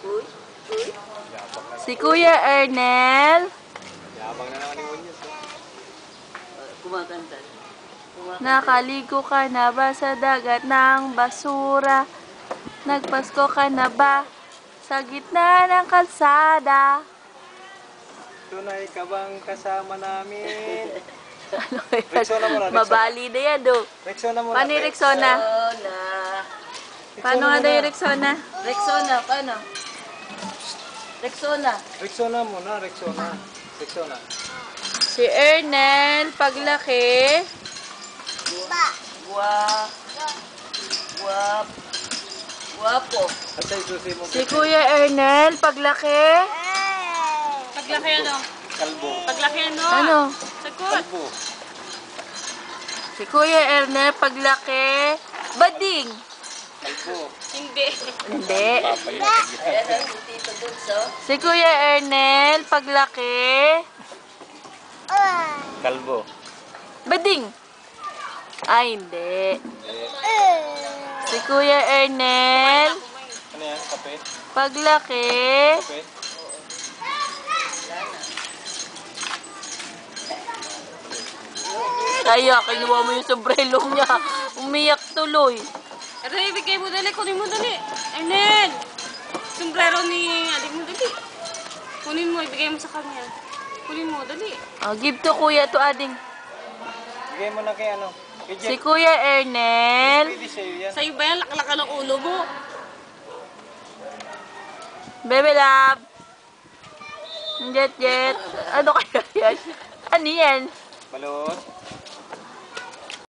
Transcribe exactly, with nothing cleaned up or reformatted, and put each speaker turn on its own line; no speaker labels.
Uy, uy.
Si Kuya Ernel.
Yabang na naman ni Munyos.
Kumakanta. Kumakanta.
Nakaligo ka na ba sa dagat ng basura? Nagpasko ka na ba sa gitna ng kalsada?
Tunay ka bang kasama namin?
Ano yan?
Rexona muna, Rexona.
Mabali na yan, do.
Rexona muna.
Paano yung Rexona?
Rexona.
Paano nga daw yung Rexona?
Rexona, paano? Rexona.
Rexona muna, Rexona. Rexona.
Si Ernel, paglaki.
Gua. Guap. Guapo.
At sa isusi mo.
Si Kuya Ernel, paglaki.
Paglaki ano?
Kalbo.
Paglaki ano?
Ano?
Sagot.
Kalbo.
Si Kuya Ernel, paglaki. Bading.
Kalbo.
Hindi.
Hindi.
Ayan ang si Tito Dulso.
Si Kuya Ernel, paglaki.
Kalbo.
Bading. Ay, hindi. Si Kuya Ernel,
Ano yan? Kape?
paglaki.
Kape?
Kaya, kinuha mo yung sombrero niya. Umiyak tuloy.
Pero ibigay mo dali. Kunin mo dali. Ernel! Sombrero ni adik mo dali. Kunin mo. Ibigay mo sa kanya. Kunin mo. Dali.
Oh, give to Kuya to ading.
Bigay mo na kay ano? Kay
Si
Jet.
Kuya Ernel.
Pwede sa'yo yan.
Sa'yo ba yan? Lakalaka ng ulo mo.
Baby love. Jet, jet. Ano kaya yan? Ano yan?
Balot.